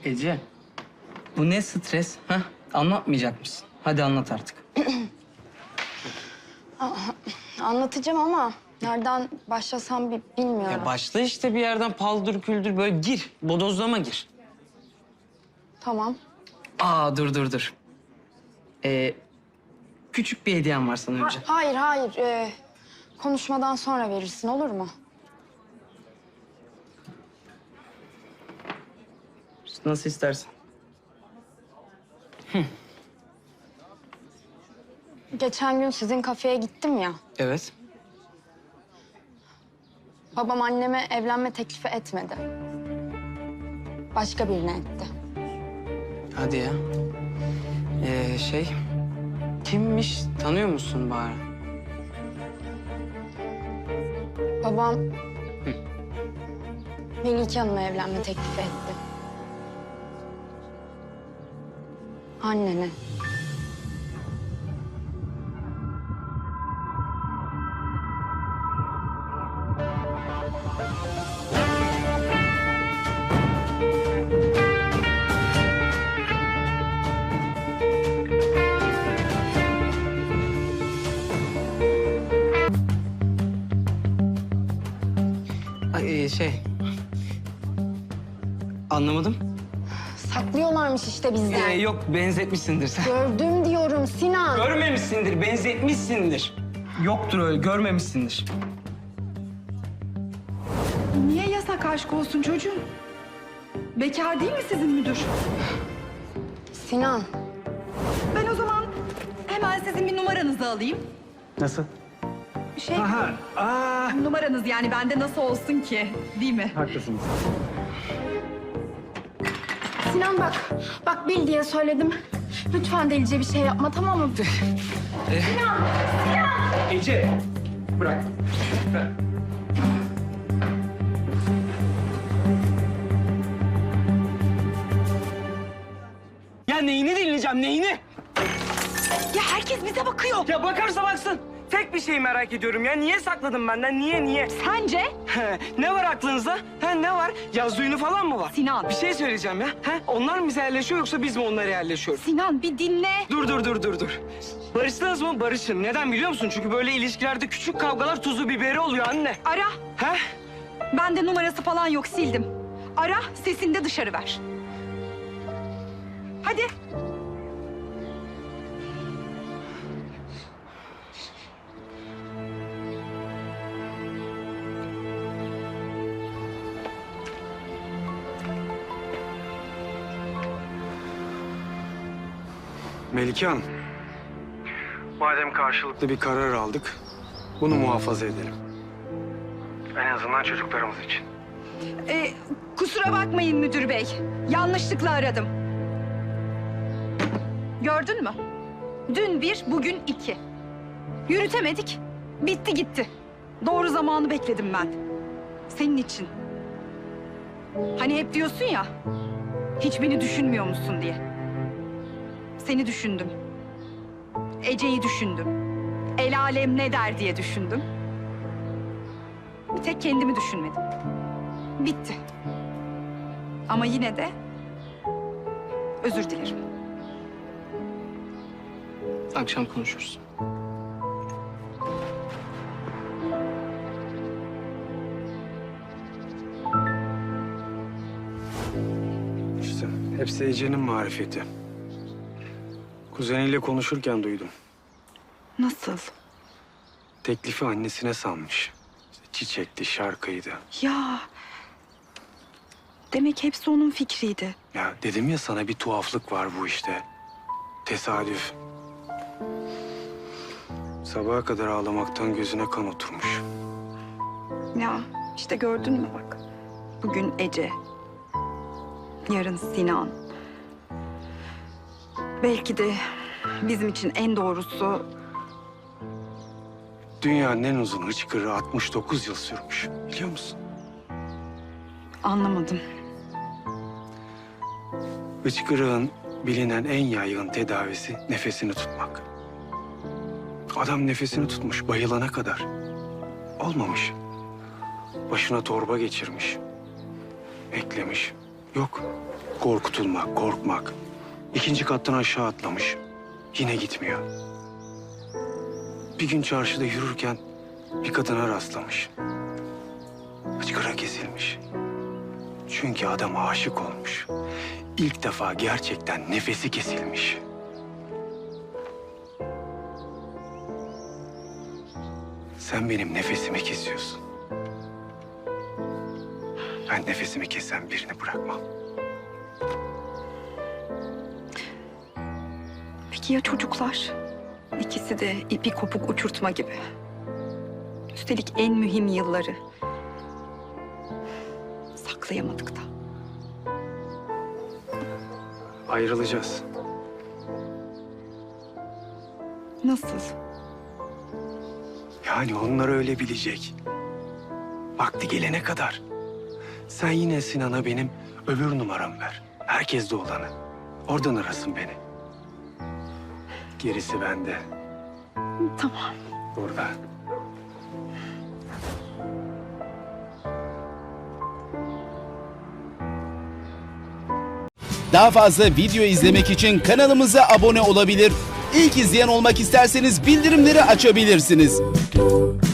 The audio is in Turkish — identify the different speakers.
Speaker 1: Ece, bu ne stres? Ha? Anlatmayacak mısın? Hadi anlat artık.
Speaker 2: Anlatacağım ama nereden başlasam bilmiyorum.
Speaker 1: Ya başla işte bir yerden paldır küldür böyle gir. Bodozlama gir.
Speaker 2: Tamam.
Speaker 1: Aa dur. Küçük bir hediyem var sana önce.
Speaker 2: Hayır. Konuşmadan sonra verirsin, olur mu?
Speaker 1: Nasıl istersen.
Speaker 2: Geçen gün sizin kafeye gittim ya.
Speaker 1: Evet.
Speaker 2: Babam anneme evlenme teklifi etmedi. Başka birine etti.
Speaker 1: Hadi ya. Kimmiş? Tanıyor musun bari?
Speaker 2: Babam Melike Hanım'a evlenme teklifi etti. Annene.
Speaker 1: Anlamadım.
Speaker 2: Saklıyorlarmış işte bizden.
Speaker 1: Yok benzetmişsindir sen.
Speaker 2: Gördüm diyorum Sinan.
Speaker 1: Görmemişsindir, benzetmişsindir. Yoktur öyle, görmemişsindir.
Speaker 3: Niye yasak aşk olsun çocuğum? Bekar değil mi sizin müdür?
Speaker 2: Sinan.
Speaker 3: Ben o zaman hemen sizin bir numaranızı alayım.
Speaker 1: Nasıl?
Speaker 3: Şey, numaranız yani bende nasıl olsun ki, değil mi?
Speaker 1: Haklısınız.
Speaker 2: Sinan bak bil diye söyledim. Lütfen delice bir şey yapma, tamam mı?
Speaker 1: Ece, bırak. Ya neyini dinleyeceğim, neyini?
Speaker 3: Ya herkes bize bakıyor.
Speaker 1: Ya bakarsa baksın. Tek bir şey merak ediyorum ya. Niye sakladın benden? Niye?
Speaker 3: Sence?
Speaker 1: Ne var aklınızda? Ne var? Yaz düğünü falan mı var?
Speaker 3: Sinan.
Speaker 1: Bir şey söyleyeceğim ya. Onlar mı bize yerleşiyor yoksa biz mi onlara yerleşiyoruz?
Speaker 3: Sinan bir dinle.
Speaker 1: Dur. Barıştınız mı? Barışın. Neden biliyor musun? Çünkü böyle ilişkilerde küçük kavgalar tuzu biberi oluyor anne.
Speaker 3: Ara.
Speaker 1: He?
Speaker 3: Bende numarası falan yok, sildim. Ara, sesini de dışarı ver. Hadi.
Speaker 4: Melike Hanım. Madem karşılıklı bir karar aldık, bunu muhafaza edelim. En azından çocuklarımız için.
Speaker 3: Kusura bakmayın müdür bey. Yanlışlıkla aradım. Gördün mü? Dün bir, bugün iki. Yürütemedik. Bitti gitti. Doğru zamanı bekledim ben. Senin için. Hani hep diyorsun ya, hiç beni düşünmüyor musun diye. Seni düşündüm. Ece'yi düşündüm. El alem ne der diye düşündüm. Bir tek kendimi düşünmedim. Bitti. Ama yine de özür dilerim.
Speaker 1: Akşam konuşuruz.
Speaker 4: İşte hepsi Ece'nin marifeti. Kuzeniyle konuşurken duydum.
Speaker 3: Nasıl?
Speaker 4: Teklifi annesine sanmış. İşte çiçekti, şarkıydı.
Speaker 3: Ya demek hepsi onun fikriydi.
Speaker 4: Ya dedim ya sana bir tuhaflık var bu işte. Tesadüf. Sabaha kadar ağlamaktan gözüne kan oturmuş.
Speaker 3: Ya işte gördün mü bak. Bugün Ece. Yarın Sinan. Belki de bizim için en doğrusu...
Speaker 4: Dünyanın en uzun hıçkırığı 69 yıl sürmüş. Biliyor musun?
Speaker 3: Anlamadım.
Speaker 4: Hıçkırığın bilinen en yaygın tedavisi nefesini tutmak. Adam nefesini tutmuş bayılana kadar. Olmamış. Başına torba geçirmiş. Eklemiş. Yok. Korkutulmak, korkmak. 2. kattan aşağı atlamış. Yine gitmiyor. Bir gün çarşıda yürürken bir kadına rastlamış. Hıçkıra kesilmiş. Çünkü adam aşık olmuş. İlk defa gerçekten nefesi kesilmiş. Sen benim nefesimi kesiyorsun. Ben nefesimi kesen birini bırakmam.
Speaker 3: Peki ya çocuklar? İkisi de ipi kopuk uçurtma gibi. Üstelik en mühim yılları. Saklayamadık da.
Speaker 4: Ayrılacağız.
Speaker 3: Nasıl?
Speaker 4: Yani onlar öyle bilecek. Vakti gelene kadar. Sen yine Sinan'a benim öbür numaramı ver. Herkeste olanı. Oradan arasın beni. Gerisi bende.
Speaker 3: Tamam.
Speaker 4: Burada.
Speaker 5: Daha fazla video izlemek için kanalımıza abone olabilir. İlk izleyen olmak isterseniz bildirimleri açabilirsiniz.